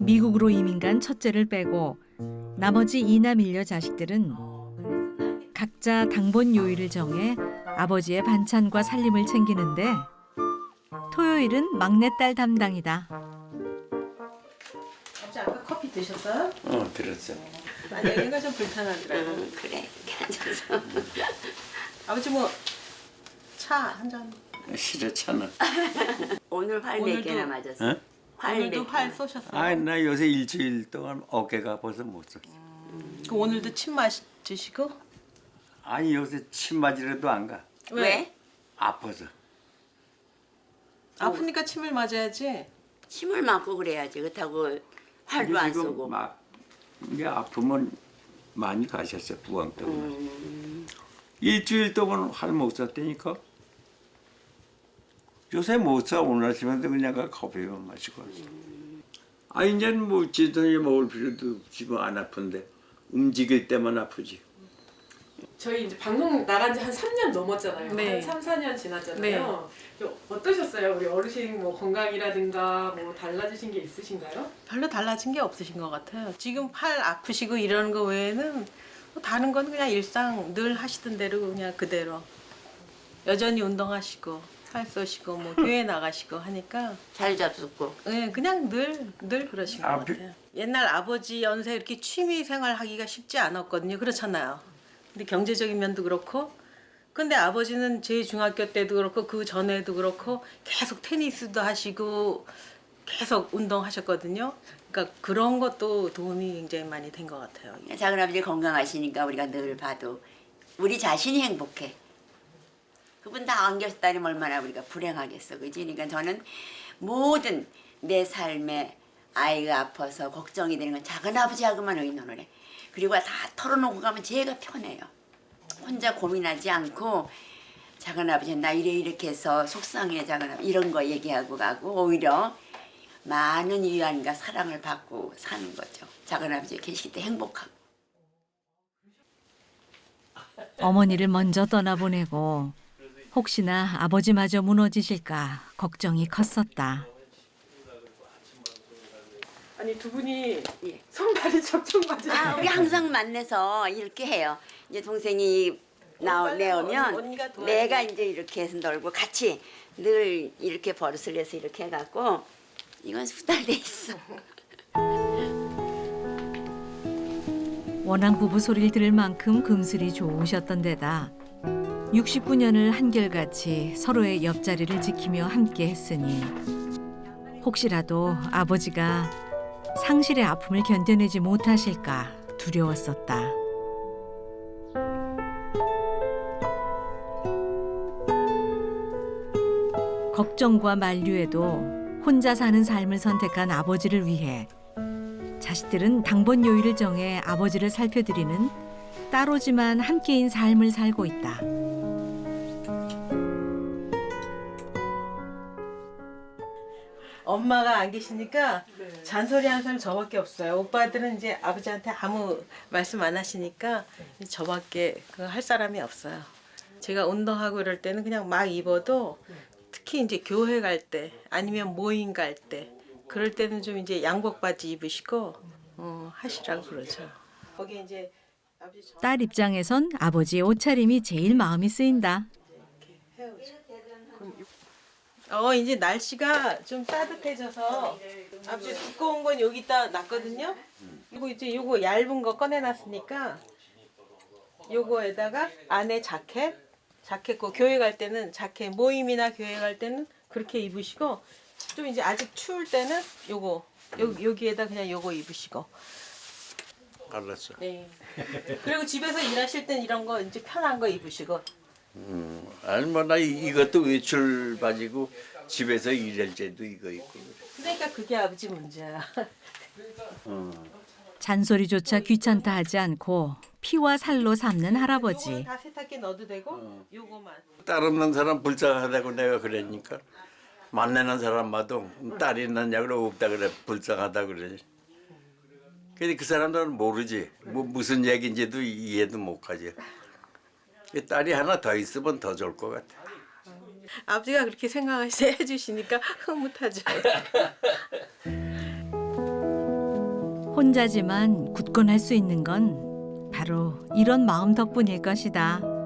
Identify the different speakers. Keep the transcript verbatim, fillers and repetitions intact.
Speaker 1: 미국으로 이민 간 첫째를 빼고 나머지 이남 일녀 자식들은 각자 당번 요일을 정해 아버지의 반찬과 살림을 챙기는데 토요일은 막내딸 담당이다.
Speaker 2: 아버지 아까 커피 드셨어요?
Speaker 3: 어, 들었어.
Speaker 2: 아니 여기가 좀 불편하더라고.
Speaker 4: 응, 그래. 이렇게 앉아서.
Speaker 2: 아버지 뭐 차 한 잔.
Speaker 3: 싫어 차는.
Speaker 4: 오늘 활 몇 개나
Speaker 2: 오늘도-
Speaker 4: 맞았어?
Speaker 3: 어?
Speaker 4: 활
Speaker 2: 오늘도
Speaker 4: 몇
Speaker 2: 활
Speaker 4: 개나.
Speaker 2: 쏘셨어요?
Speaker 3: 아, 나 요새 일주일 동안 어깨가 아파서 못 썼어.
Speaker 2: 그 오늘도 침 맞으시고?
Speaker 3: 아니 요새 침 맞으러도 안 가.
Speaker 4: 왜?
Speaker 3: 아파서.
Speaker 2: 아프니까 침을 맞아야지.
Speaker 4: 침을 맞고 그래야지. 그렇다고 활도 안
Speaker 3: 지금
Speaker 4: 쏘고.
Speaker 3: 막 이게 아프면 많이 가셨어 부항 때문에.
Speaker 4: 음,
Speaker 3: 일주일 동안 활 못 썼다니까. 요새 못 써. 오늘 아침에도 그냥 가 커피만 마시고 왔어. 아 이제는 뭐 지돈이 먹을 필요도 지금 안 아픈데 움직일 때만 아프지.
Speaker 5: 저희 이제 방송 나간 지 한 삼 년 넘었잖아요.
Speaker 2: 네.
Speaker 5: 한 삼, 사 년 지났잖아요. 어떠셨어요? 우리 어르신 뭐 건강이라든가 뭐 달라지신 게 있으신가요?
Speaker 2: 별로 달라진 게 없으신 것 같아요. 지금 팔 아프시고 이러는 거 외에는 뭐 다른 건 그냥 일상 늘 하시던 대로 그냥 그대로. 여전히 운동하시고 팔 쏘시고 뭐 교회 나가시고 하니까
Speaker 4: 잘 잡숫고.
Speaker 2: 네, 그냥 늘, 늘 그러신 것
Speaker 3: 아,
Speaker 2: 같아요. 옛날 아버지 연세 이렇게 취미 생활 하기가 쉽지 않았거든요. 그렇잖아요. 근데 경제적인 면도 그렇고 근데 아버지는 제 중학교 때도 그렇고 그 전에도 그렇고 계속 테니스도 하시고 계속 운동하셨거든요. 그러니까 그런 것도 도움이 굉장히 많이 된 것 같아요.
Speaker 4: 작은 아버지 건강하시니까 우리가 늘 봐도 우리 자신이 행복해. 그분 다 안 계셨다면 얼마나 우리가 불행하겠어, 그지? 그러니까 저는 모든 내 삶에 아이가 아파서 걱정이 되는 건 작은 아버지하고만 의논을 해. 그리고 다 털어놓고 가면 제가 편해요. 혼자 고민하지 않고 작은 아버지 나 이래 이렇게 해서 속상해 작은 아버지 이런 거 얘기하고 가고 오히려 많은 위안과 사랑을 받고 사는 거죠. 작은 아버지 계실 때 행복하고.
Speaker 1: 어머니를 먼저 떠나보내고 혹시나 아버지마저 무너지실까 걱정이 컸었다.
Speaker 5: 아니 두 분이
Speaker 4: 예.
Speaker 5: 손발이 척척 맞으세요.
Speaker 4: 아, 우리 항상 만나서 이렇게 해요. 이제 동생이 나오
Speaker 2: 빨리
Speaker 4: 내오면
Speaker 2: 언니- 언니가 도와야지.
Speaker 4: 내가 이제 이렇게 해서 놀고 같이 늘 이렇게 버릇을 해서 이렇게 해갖고 이건 수달돼 있어.
Speaker 1: 워낙 부부 소리를 들을 만큼 금슬이 좋으셨던 데다 육십구 년을 한결같이 서로의 옆자리를 지키며 함께 했으니 혹시라도 아버지가 상실의 아픔을 견뎌내지 못하실까 두려웠었다. 걱정과 만류에도 혼자 사는 삶을 선택한 아버지를 위해 자식들은 당번 요일을 정해 아버지를 살펴드리는 따로지만 함께인 삶을 살고 있다.
Speaker 2: 엄마가 안 계시니까
Speaker 5: 네.
Speaker 2: 잔소리하는 사람 저밖에 없어요. 오빠들은 이제 아버지한테 아무 말씀 안 하시니까 저밖에 그 할 사람이 없어요. 제가 운동하고 이럴 때는 그냥 막 입어도 특히 이제 교회 갈 때 아니면 모임 갈 때 그럴 때는 좀 이제 양복 바지 입으시고 어, 하시라고 그러죠. 거기 이제 아버지 저-
Speaker 1: 딸 입장에선 아버지의 옷차림이 제일 마음이 쓰인다.
Speaker 2: 어 이제 날씨가 좀 따뜻해져서 아버지 두꺼운 건 여기다 놨거든요. 이거 이제 요거 얇은 거 꺼내놨으니까 요거에다가 안에 자켓, 자켓 고 교회 갈 때는 자켓 모임이나 교회 갈 때는 그렇게 입으시고 좀 이제 아직 추울 때는 요거 요, 여기에다 그냥 요거 입으시고.
Speaker 3: 알았어.
Speaker 2: 네. 그리고 집에서 일하실 땐 이런 거 이제 편한 거 입으시고.
Speaker 3: 음, 아니 뭐나 이것도 외출 바지고 집에서 일할 때도 이거 입고. 그래.
Speaker 2: 그러니까 그게 아버지 문제야.
Speaker 3: 어.
Speaker 1: 잔소리조차 귀찮다 하지 않고 피와 살로 삼는
Speaker 2: 요거는
Speaker 1: 할아버지.
Speaker 2: 다 세탁기에 넣어도 되고 요거만.
Speaker 3: 딸 없는 사람 불쌍하다고 내가 그러니까 만나는 사람마도 딸이 있느냐 그래 없다 그래 불쌍하다 그래. 근데 그 사람들은 모르지 뭐 무슨 얘기인지도 이해도 못하지. 딸이 하나 더 있으면 더 좋을 것 같아.
Speaker 2: 아버지가 그렇게 생각하시 해주시니까 흐뭇하죠.
Speaker 1: 혼자지만 굳건할 수 있는 건 바로 이런 마음 덕분일 것이다.